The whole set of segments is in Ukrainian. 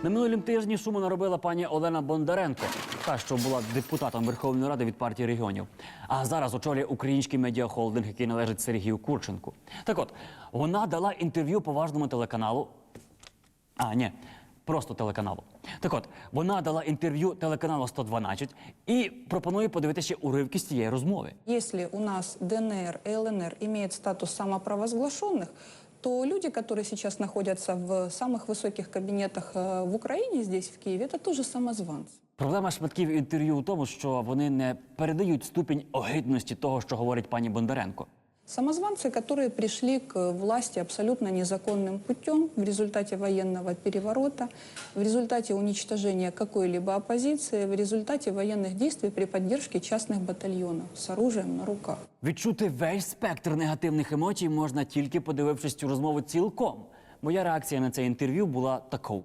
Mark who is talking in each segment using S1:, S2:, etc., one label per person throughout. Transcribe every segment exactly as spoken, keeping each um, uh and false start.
S1: На минулім тижні шуму наробила пані Олена Бондаренко, та, що була депутатом Верховної Ради від партії регіонів. А зараз очолює український медіахолдинг, який належить Сергію Курченку. Так от, вона дала інтерв'ю поважному телеканалу. А, ні, просто телеканалу. Так от, вона дала інтерв'ю телеканалу сто дванадцять і пропонує подивитися уривки з цієї розмови.
S2: Если у нас ДНР и ЛНР имеют статус самопровозглашенных, то люди, которые сейчас находятся в самых высоких кабинетах э, в Украине, здесь, в Киеве, это тоже самозванцы.
S1: Проблема шматків інтерв'ю у тому, що вони не передають ступінь огидності того, що говорить пані Бондаренко.
S2: Самозванцы, которые пришли к власти абсолютно незаконным путем в результате военного переворота, в результате уничтожения какой-либо оппозиции, в результате военных действий при поддержке частных батальонов с оружием на руках.
S1: Відчути весь спектр негативних емоцій можна тільки подивившись цю розмову цілком. Моя реакція на це інтерв'ю була такою.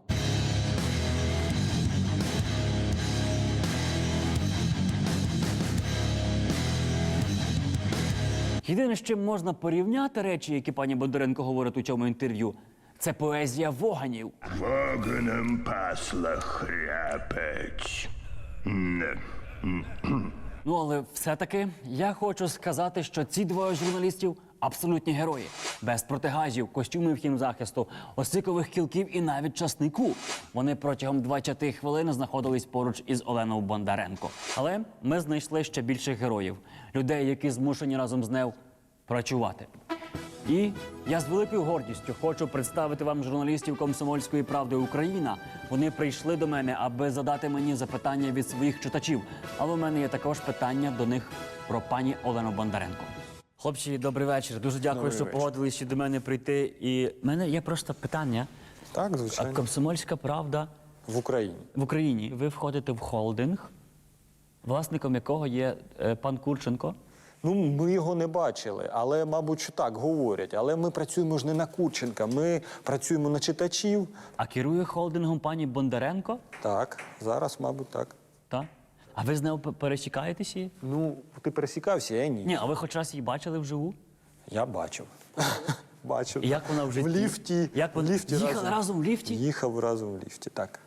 S1: Єдине, з чим можна порівняти речі, які пані Бондаренко говорить у цьому інтерв'ю, це поезія воганів.
S3: Вогнем пасла хряпець. Не.
S1: Ну, але все-таки я хочу сказати, що ці двоє журналістів – абсолютні герої. Без протигазів, костюмів хімзахисту, осикових кілків і навіть часнику. Вони протягом двадцяти хвилин знаходились поруч із Оленою Бондаренко. Але ми знайшли ще більших героїв. Людей, які змушені разом з нею працювати. І я з великою гордістю хочу представити вам журналістів «Комсомольської правди Україна». Вони прийшли до мене, аби задати мені запитання від своїх читачів. Але у мене є також питання до них про пані Олену Бондаренко. Хлопці, добрий вечір. Дуже дякую,
S4: Добрий
S1: що
S4: вечір.
S1: погодилися до мене прийти. І в мене є просто питання.
S4: Так,
S1: А
S4: звичайно.
S1: «Комсомольська правда»
S4: В Україні.
S1: в Україні. Ви входите в холдинг, власником якого є е, пан Курченко.
S4: Ну, ми його не бачили, але, мабуть, що так говорять. Але ми працюємо ж не на Курченка, ми працюємо на читачів.
S1: А керує холдингом пані Бондаренко.
S4: Так, зараз, мабуть, так.
S1: Так? А ви з нею п- пересікаєтеся?
S4: Ну, ти пересікався, я ні.
S1: Ні, а ви хоч раз її бачили вживу?
S4: Я бачив. Бачив.
S1: І як вона в житті?
S4: В ліфті.
S1: Як
S4: в
S1: вона-
S4: ліфті
S1: Їхали разом в ліфті?
S4: Їхав разом в ліфті, так.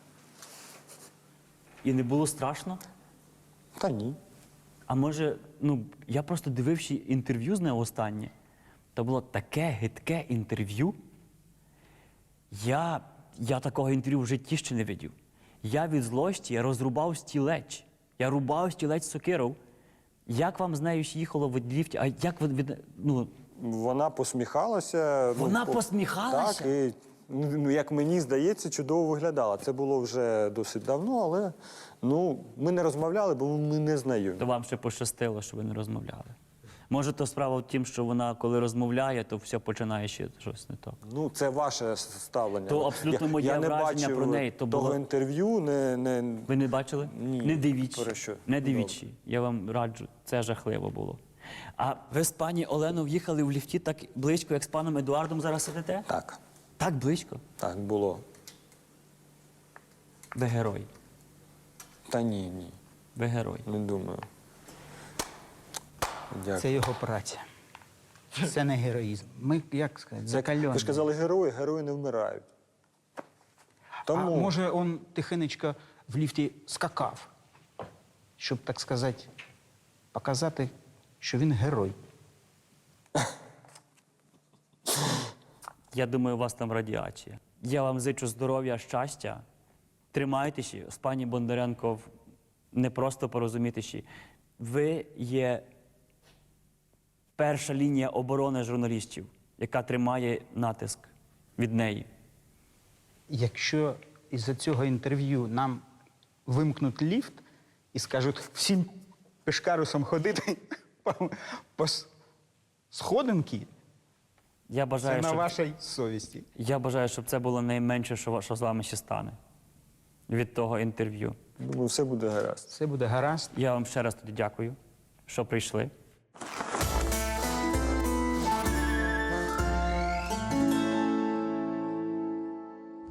S1: І не було страшно?
S4: Та ні.
S1: А може, ну, я просто дивився інтерв'ю з нею останнє. То було таке гидке інтерв'ю. Я, я такого інтерв'ю в житті ще не видів. Я від злості розрубав стілець. Я рубав стілець сокирою. Як вам з нею ж їхало в ліфті? А як ви від... Ну,
S4: Вона посміхалася.
S1: Вона
S4: ну, по-
S1: посміхалася?
S4: Так, і, ну, як мені здається, чудово виглядала. Це було вже досить давно, але ну, ми не розмовляли, бо ми не знайомі.
S1: то вам ще пощастило, що ви не розмовляли. Може, то справа в тім, що вона, коли розмовляє, то все починає ще щось не так.
S4: Ну, це ваше ставлення.
S1: То абсолютно
S4: я,
S1: моє
S4: я не
S1: враження
S4: бачив
S1: про неї, то
S4: того
S1: було-
S4: інтерв'ю, не, не...
S1: Ви не бачили?
S4: Ні.
S1: Не дивіться.
S4: Про що?
S1: Не дивіться. Я вам раджу. Це жахливо було. А ви з пані Оленою в'їхали в ліфті так близько, як з паном Едуардом зараз сидите?
S4: Так,
S1: Так близько?
S4: так було.
S1: Ви герой.
S4: Та ні, ні,
S1: Ви герой.
S4: не думаю. Дякую.
S5: Це його праця. Це не героїзм. Ми, як сказати, закальоні.
S4: Ви ж казали, герої, герої не вмирають. Тому...
S5: А може, він тихенечко в ліфті скакав, щоб, так сказати, показати, що він герой.
S1: Я думаю, у вас там радіація. Я вам зичу здоров'я, щастя. Тримайтеся. З пані Бондаренко в- не просто порозумітися. Ви є перша лінія оборони журналістів, яка тримає натиск від неї.
S5: Якщо із-за цього інтерв'ю нам вимкнуть ліфт і скажуть всім пешкарусам ходити по, по с- сходинки,
S1: Я
S5: це
S1: бажаю,
S5: на
S1: щоб...
S5: вашій совісті.
S1: Я бажаю, щоб це було найменше, що, що з вами ще стане від того інтерв'ю.
S4: Думаю, все буде гаразд.
S5: Все буде гаразд.
S1: Я вам ще раз тоді дякую, що прийшли.